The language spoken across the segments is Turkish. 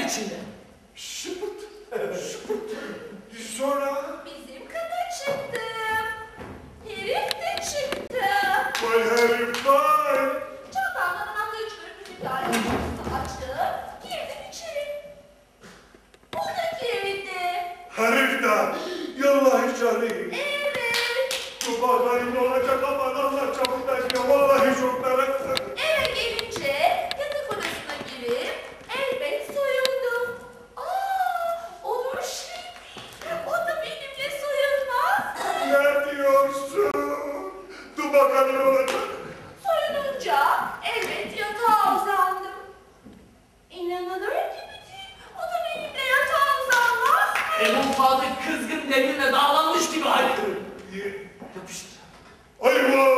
Hayret içinde. Şıpıt. Şıpıt. Sonra? Bizim kata çıktı. Herif de çıktı. Vay herif vay. Çantamdan anahtarı çıkarıp bir tane kapısını açtım. Girdim içeri. Buradaki evde. Herif de. Yallahi canım. Evet. Bu bağlarım olacak aman Allah çabuk taşıyor. Vallahi çok merak ettim. Eve gelince yatak odasına girip elbet soyundum. Olur şey. O da benimle soyunmaz. Ne diyorsun? Dur bakalım ne olacak. Soyununca elbet yatağa uzandım. İnanılır gibi değil. O da benimle yatağa uzanmaz. Ebu Fatık kızgın demirle dağlanmış gibi haykırır. Yapıştır. Eyvah!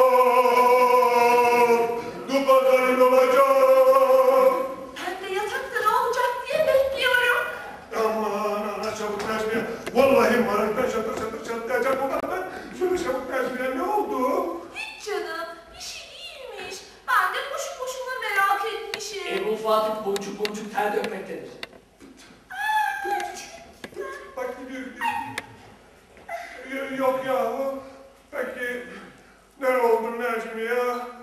Dur bakalım ne olacak. Ben de yatakta ne olacak diye bekliyorum. Aman ana çabuk Necmiye. Vallahi maraktan şatır şatır çatlayacak bu kadar. Şöyle çabuk Necmiye ne oldu? Hiç canım, bir şey değilmiş. Ben de boşu boşuna merak etmişim. Ebu Fatık boncuk boncuk ter dökmektedir. Bak gidiyor. Yok ya. Peki ne oldu Necmiye?